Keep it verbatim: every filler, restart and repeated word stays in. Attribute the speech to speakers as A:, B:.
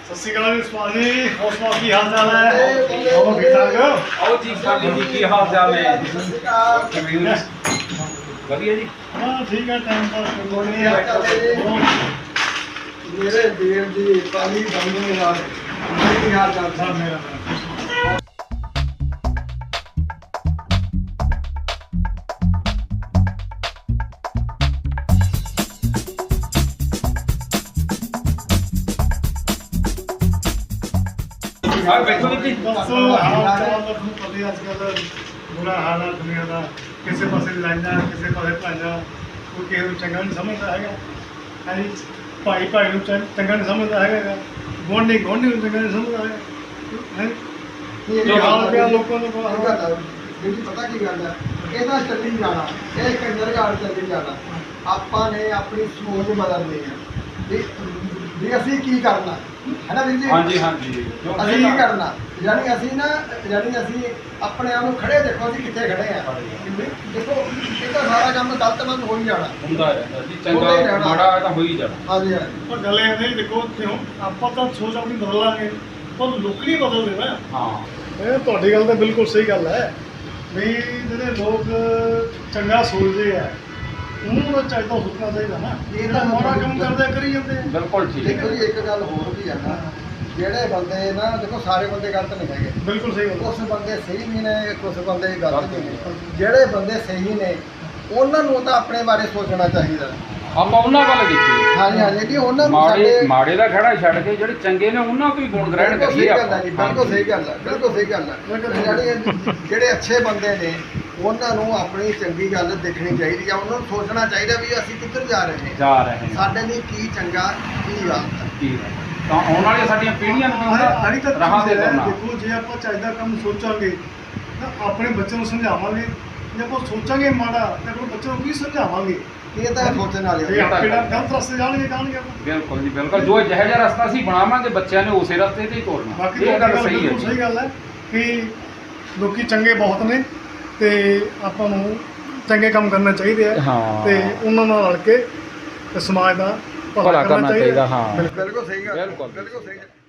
A: ਸਤਿ ਸ਼੍ਰੀ ਅਕਾਲ ਜੀ ਸਵਾਲ ਜੀ। ਹੋਰ ਸਵਾਲ ਕੀ ਹਾਲ ਚਾਲ ਹੈ? ਹੋਰ ਠੀਕ ਠਾਕ ਹੋ?
B: ਆਓ ਜੀ ਸਾਡੇ ਜੀ ਕੀ ਹਾਲ ਚਾਲ ਹੈ? ਵਧੀਆ ਜੀ।
A: ਹਾਂ ਠੀਕ ਹੈ, ਟਾਈਮ ਪਾਸ ਕਰ ਰਹੇ ਹਾਂ।
C: ਮੇਰੇ ਵੀਰ ਜੀ ਪਾਣੀ ਬੰਦੇ ਨਾਲ ਕੀ ਹਾਲ ਚਾਲ
A: ਸਭ ਮੇਰਾ
B: ਆ ਬੈਠੋ ਜੀ।
A: ਬਸ ਹਾਲ ਚਾਲ ਦਾ ਤੁਹਾਨੂੰ ਪਤਾ ਹੀ ਅੱਜ ਕੱਲ੍ਹ ਬੁਰਾ ਹਾਲ ਹੈ ਦੁਨੀਆ ਦਾ। ਕਿਸੇ ਪਾਸੇ ਲੜਾਈਆਂ, ਕਿਸੇ ਪਾਸੇ ਭਾਈਆਂ, ਕੋਈ ਕਿਸੇ ਨੂੰ ਚੰਗਾ ਨਹੀਂ ਸਮਝਦਾ ਹੈਗਾ। ਹਾਂਜੀ, ਭਾਈ ਭਾਈ ਨੂੰ ਚੰ- ਚੰਗਾ ਨਹੀਂ ਸਮਝਦਾ ਹੈਗਾ, ਗੁਆਂਢੀ ਗੁਆਂਢੀ ਨੂੰ ਚੰਗਾ ਨਹੀਂ ਸਮਝਦਾ ਹੈਗਾ। ਹੈ ਇਹ ਹਾਲ ਪਿਆ ਲੋਕਾਂ ਨੂੰ ਬੁਰਾ ਹਾਲ।
C: ਜਿਹੜੀ ਪਤਾ ਕੀ ਗੱਲ ਹੈ, ਇਹਦਾ ਚੱਲੀ ਜਾਣਾ, ਇਹ ਕੰਜਰ ਗਾੜ ਚੱਲੀ ਜਾਣਾ। ਆਪਾਂ ਨੇ ਆਪਣੀ ਸੋਚ ਬਦਲਣੀ ਹੈ ਵੀ ਵੀ ਅਸੀਂ ਕੀ ਕਰਨਾ ਹੈ ਨਾ ਵੀਰ ਜੀ।
B: ਹਾਂਜੀ ਹਾਂਜੀ
C: ਅਸੀਂ ਕੀ ਕਰਨਾ, ਯਾਨੀ ਅਸੀਂ ਨਾ ਯਾਨੀ ਅਸੀਂ ਆਪਣੇ ਆਪ ਨੂੰ ਖੜੇ ਦੇਖੋ ਅਸੀਂ ਕਿੱਥੇ ਖੜੇ ਆ। ਦੇਖੋ ਇਹ ਤਾਂ ਸਾਰਾ ਕੰਮ ਗਲਤਮੰਦ ਹੋ ਹੀ ਜਾਣਾ
B: ਹੁੰਦਾ ਰਹਿੰਦਾ ਜੀ, ਚੰਗਾ ਮਾੜਾ ਤਾਂ ਹੋ ਹੀ ਜਾਣਾ।
C: ਹਾਂਜੀ ਹਾਂਜੀ
A: ਪਰ ਗੱਲ ਇਹ ਨਹੀਂ, ਦੇਖੋ ਕਿਉਂ ਆਪਾਂ ਤਾਂ ਸੋਚ ਆਪਣੀ ਬਦਲ ਲਾਂਗੇ ਪਰ ਲੋਕ ਨਹੀਂ ਬਦਲਦੇ ਨਾ।
B: ਹਾਂ
A: ਇਹ ਤੁਹਾਡੀ ਗੱਲ ਤਾਂ ਬਿਲਕੁਲ ਸਹੀ ਗੱਲ ਹੈ ਵੀ ਜਿਹੜੇ ਲੋਕ ਚੰਗਾ ਸੋਚਦੇ ਆ ਉਹਨੂੰ ਤਾਂ ਚਾਹੀਦਾ ਸੋਚਣਾ ਚਾਹੀਦਾ ਨਾ। ਇਹ ਤਾਂ ਮਾੜਾ ਕੰਮ ਕਰਦੇ ਕਰੀ ਜਾਂਦੇ ਆ।
B: ਬਿਲਕੁਲ ਠੀਕ
C: ਦੇਖੋ
B: ਹੈ।
C: ਜੀ ਇੱਕ ਗੱਲ ਹੋਰ ਵੀ ਆ ਨਾ, ਜਿਹੜੇ ਬੰਦੇ ਨਾ ਦੇਖੋ ਸਾਰੇ ਬੰਦੇ ਗਲਤ ਨਹੀਂ ਹੈਗੇ,
A: ਬਿਲਕੁਲ ਸਹੀ ਗੱਲ
C: ਕੁਛ ਬੰਦੇ ਸਹੀ ਵੀ ਨੇ, ਕੁਛ ਬੰਦੇ ਗਲਤ ਵੀ ਨੇ। ਜਿਹੜੇ ਬੰਦੇ ਸਹੀ ਨੇ ਉਹਨਾਂ ਨੂੰ ਤਾਂ ਆਪਣੇ ਬਾਰੇ ਸੋਚਣਾ ਚਾਹੀਦਾ।
B: ਆਪਾਂ ਉਹਨਾਂ ਵੱਲ ਦੇਖੀਏ।
C: ਹਾਂਜੀ ਹਾਂਜੀ ਜੀ, ਉਹਨਾਂ ਨੂੰ
B: ਮਾੜੇ
C: ਸਾਡੇ
B: ਮਾੜੇ ਦਾ ਖੜਾ ਛੱਡ ਕੇ ਜਿਹੜੇ ਚੰਗੇ ਨੇ ਉਹਨਾਂ ਤੋਂ ਹੀ ਗੁਣ ਗ੍ਰਹਿਣ
C: ਬਿਲਕੁਲ
B: ਕਰੀਏ
C: ਸਹੀ ਗੱਲ ਹੈ
B: ਆਪਾਂ।
C: ਜੀ, ਬਿਲਕੁਲ ਸਹੀ ਗੱਲ ਹੈ, ਬਿਲਕੁਲ ਸਹੀ ਗੱਲ ਹੈ। ਜਿਹੜੇ ਜਿਹੜੇ ਅੱਛੇ ਬੰਦੇ ਨੇ ਉਹਨਾਂ ਨੂੰ ਆਪਣੀ ਚੰਗੀ ਗੱਲ ਦੇਖਣੀ ਚਾਹੀਦੀ ਆ। ਉਹਨਾਂ ਨੂੰ ਸੋਚਣਾ ਚਾਹੀਦਾ ਵੀ ਅਸੀਂ ਕਿੱਧਰ ਜਾ ਰਹੇ ਹਾਂ,
B: ਜਾ ਰਹੇ ਨੇ
C: ਸਾਡੇ ਲਈ ਕੀ ਚੰਗਾ ਕੀ ਗਲਤ ਹੈ।
B: ਕੀ ਹੈ। ਤਾਂ ਆਉਣ ਵਾਲੀਆਂ ਸਾਡੀਆਂ ਪੀੜ੍ਹੀਆਂ ਨੂੰ
A: ਹੈ। ਆਹੀ ਤਾਂ
B: ਰਾਹਾਂ ਤੇ
A: ਚੀਜ਼ ਹੈ।
B: ਕਰਨਾ।
A: ਦੇਖੋ ਜੇ ਆਪਾਂ ਚਾਹੀਦਾ ਕੰਮ ਸੋਚਾਂਗੇ ਤਾਂ ਆਪਣੇ ਬੱਚੇ ਨੂੰ ਸਮਝਾਵਾਂਗੇ। ਜੇ ਆਪਾਂ ਸੋਚਾਂਗੇ ਮਾੜਾ ਤਾਂ ਆਪਣੇ ਬੱਚੇ ਨੂੰ ਕੀ ਸਮਝਾਵਾਂਗੇ?
C: ਇਹ ਤਾਂ ਸੋਚਣ ਵਾਲੀ
A: ਇਹ
C: ਗੱਲ ਹੈ।
A: ਆਪੇ ਨਾਲ ਗਲਤ ਰਸਤੇ ਜਾਣਗੇ ਜਾਣਗੇ ਆਪਾਂ।
B: ਬਿਲਕੁਲ ਜੀ ਬਿਲਕੁਲ। ਜੋ ਜਿਹੋ ਜਿਹਾ ਰਸਤਾ ਅਸੀਂ ਬਣਾਵਾਂਗੇ ਬੱਚਿਆਂ ਨੇ ਉਸੇ ਰਸਤੇ ਤੇ ਹੀ ਤੋਰਨਾ।
A: ਬਾਕੀ
B: ਇਹ ਗੱਲ ਸਹੀ ਹੈ
A: ਬਿਲਕੁਲ ਸਹੀ
B: ਜੀ।
A: ਗੱਲ ਹੈ ਕਿ ਲੋਕੀ ਚੰਗੇ ਬਹੁਤ ਨੇ ਤੇ ਆਪਾਂ ਨੂੰ ਚੰਗੇ ਕੰਮ ਕਰਨੇ ਚਾਹੀਦੇ ਆ।
B: ਹਾਂ।
A: ਤੇ ਉਹਨਾਂ ਨਾਲ ਰਲ ਕੇ ਤੇ ਸਮਾਜ ਦਾ ਭਲਾ ਕਰਨਾ ਚਾਹੀਦਾ।
B: ਹਾਂ
C: ਬਿਲਕੁਲ ਸਹੀ ਗੱਲ ਹੈ,
B: ਬਿਲਕੁਲ।
C: ਬਿਲਕੁਲ ਸਹੀ ਗੱਲ।